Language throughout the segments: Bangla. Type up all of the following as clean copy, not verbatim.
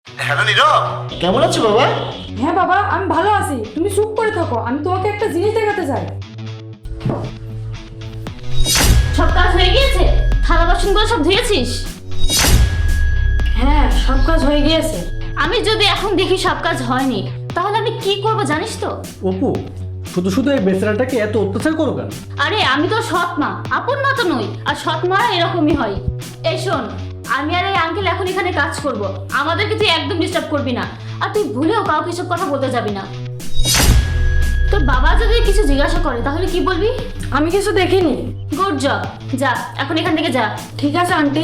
হ্যালো নীরব, কেমন আছো বাবা? হ্যাঁ বাবা, আমি ভালো আছি। তুমি চুপ করে থাকো, আমি তোমাকে একটা জিনিস দেখাতে চাই। সব কাজ হয়ে গিয়েছে? থালা বাসনগুলো সব ধুয়েছিস? হ্যাঁ, সব কাজ হয়ে গিয়েছে। আমি যদি এখন দেখি সব কাজ হয়নি, তাহলে আমি কি করব জানিস তো? অপু, শুধু শুধু এই বেচারাটাকে এত অত্যাচার করো কেন? আরে আমি তো সৎ মা, আপন মা তো নই। আর সৎ মা এরকমই হয়। এই শোন, আমি আর এই আঙ্কেল এখন এখানে কাজ করব, আমাদেরকে তুই একদম ডিস্টার্ব করবি না। আর তুই ভুলেও কাউকে এসব কথা বলতে যাবি না। তোর বাবা যদি কিছু জিজ্ঞাসা করে তাহলে কি বলবি? আমি কিছু দেখিনি। গুড জব, যা এখন এখান থেকে যা। ঠিক আছে আন্টি।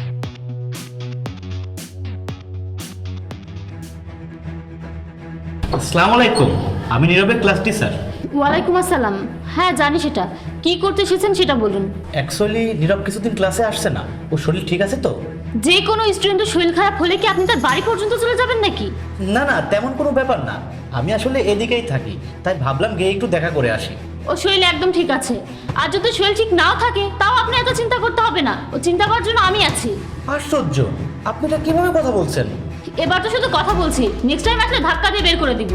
আসসালামু আলাইকুম, আমি নীরবের ক্লাস টিচার। ওয়ালাইকুম আসসালাম। হ্যাঁ জানি সেটা। কি করতে এসেছেন সেটা বলুন। অ্যাকচুয়ালি নীরব কিছুদিন ক্লাসে আসছে না, ওর শরীর ঠিক আছে তো? যে কোনো স্টুডেন্টের শরীর খারাপ হলে কি আপনি তার বাড়ি পর্যন্ত চলে যাবেন নাকি? না না, তেমন কোনো ব্যাপার না। আমি আসলে এদিকেই থাকি, তাই ভাবলাম গিয়ে একটু দেখা করে আসি। ও শরীর একদম ঠিক আছে। আর যদি শরীর ঠিক নাও থাকে তাও আপনি এত চিন্তা করতে হবে না, ও চিন্তা করার জন্য আমি আছি। আশ্চর্য, আপনি এটা কিভাবে কথা বলছেন? এবার তো শুধু কথা বলছি, নেক্সট টাইম আসলে ধাক্কা দিয়ে বের করে দিব।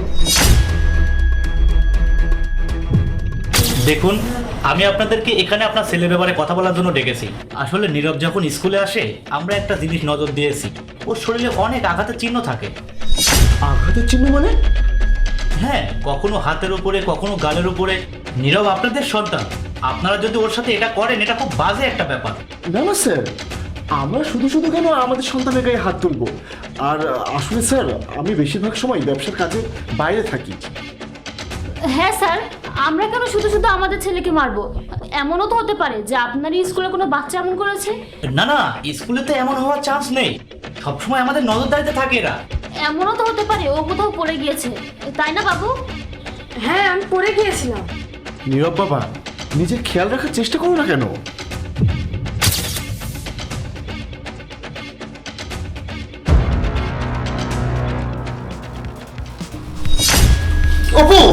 দেখুন, আমি আপনাদেরকে এখানে আপনার ছেলের ব্যাপারে কথা বলার জন্য ডেকেছি। আসলে নীরব যখন স্কুলে আসে আমরা একটা জিনিস নজর দিয়েছি, ওর শরীরে অনেক আঘাতের চিহ্ন থাকে। আঘাতের চিহ্ন মানে? হ্যাঁ, কখনো হাতের উপরে, কখনো গালের উপরে। নীরব আপনাদের সন্তান, আপনারা যদি ওর সাথে এটা করেন, এটা খুব বাজে একটা ব্যাপার। না না স্যার, আমরা শুধু শুধু কেন আমাদের সন্তানের গায়ে হাত তুলবো? আর আসলে স্যার, আমি বেশিরভাগ সময় ব্যবসার কাজে বাইরে থাকি। হ্যাঁ স্যার, আমরা কেন শুধু শুধু আমাদের ছেলেকে মারবো? এমনও তো হতে পারে যে আপনারই স্কুলে কোনো বাচ্চা এমন করেছে। না না, স্কুলে তো এমন হওয়ার চান্স নেই। সবসময় আমাদের নজরদারিতে থাকে এরা। এমনও তো হতে পারে ও কোথাও পড়ে গিয়েছে, তাই না বাবু? হ্যাঁ, আমি পড়ে গিয়েছিলাম। নীরব বাবা, নিজের খেয়াল রাখার চেষ্টা করো না কেন? অপু,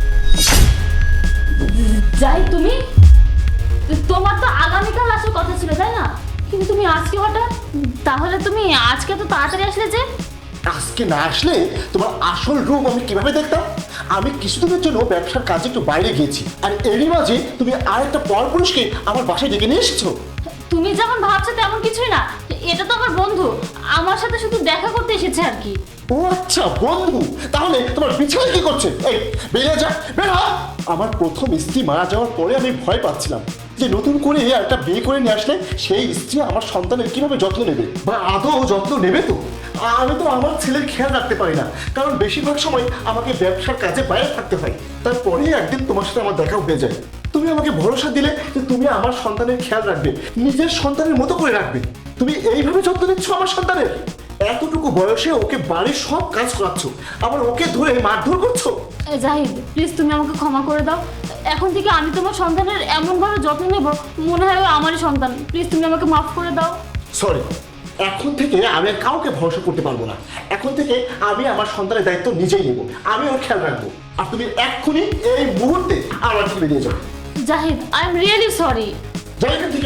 যাই তুমি, তোমার তো আগামীকাল আসার কথা ছিল তাই না? কিন্তু তুমি আজকে হঠাৎ, তাহলে তুমি আজকে তো তাড়াতাড়ি আসলে যে? আজকে না আসলে তোমার আসল রূপ আমি কিভাবে দেখতাম? আমি কিছুদিনের জন্য ব্যবসার কাজে একটু বাইরে গিয়েছি, আর এরই মাঝে তুমি আরেকটা পরপুরুষকে আমার বাসায় ডেকে নিয়ে এসেছো। তুমি যেমন ভাবছো তেমন কিছুই না, এটা তো আমার বন্ধু, আমার সাথে শুধু দেখা করতে এসেছে আর কি। ও আচ্ছা, বন্ধু। তাহলে তোমার বিছানায় কি করছে? এই বেরিয়ে যা, বের হ। আমার প্রথম স্ত্রী মারা যাওয়ার পরে আমি ভয় পাচ্ছিলাম যে নতুন করে একটা বিয়ে করে নিয়ে আসলে সেই স্ত্রী আমার সন্তানের কিভাবে যত্ন নেবে, বা আদৌ যত্ন নেবে তো? আমি তো আমার ছেলের খেয়াল রাখতে পারি না, কারণ বেশিরভাগ সময় আমাকে ব্যবসার কাজে বাইরে থাকতে হয়। তারপরেই একদিন তোমার সাথে আমার দেখা হয়ে যায়। তুমি আমাকে ভরসা দিলে যে তুমি আমার সন্তানের খেয়াল রাখবে, নিজের সন্তানের মতো করে রাখবে। তুমি এইভাবে যত্ন নিচ্ছ আমার সন্তানের। এতটুকু বয়সে ওকে বাড়ির সব কাজ করাচ্ছ, আবার ওকে ধরে মারধর করছো। জাহিদ, প্লিজ তুমি আমাকে ক্ষমা করে দাও। এখন থেকে আমি তোমার সন্তানের এমনভাবে যত্ন নেব মনে হয় ও আমারই সন্তান। প্লিজ তুমি আমাকে মাফ করে দাও। সরি, এখন থেকে আমি আর কাউকে ভরসা করতে পারবো না। এখন থেকে আমি আমার সন্তানের দায়িত্ব নিজেই নেব, আমি ওর খেয়াল রাখবো। আর তুমি এক্ষুনি এই মুহূর্তে আমার থেকে বেরিয়ে যাও। Zahid, I am really sorry. যাই এখান থেকে।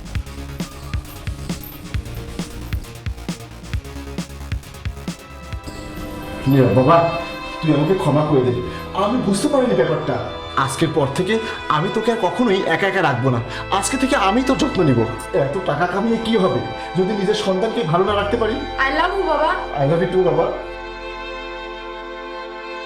বাবা, তুই আমাকে ক্ষমা করে দে, আমি বুঝতে পারিনি ব্যাপারটা। আজকের পর থেকে আমি তোকে আর কখনোই একা একা রাখবো না। আজকে থেকে আমি তোর যত্ন নিব। এত টাকা কামিয়ে কি হবে যদি নিজের সন্তানকে ভালো না রাখতে পারি? আই লাভ ইউ বাবা। আই লাভ ইউ টু বাবা।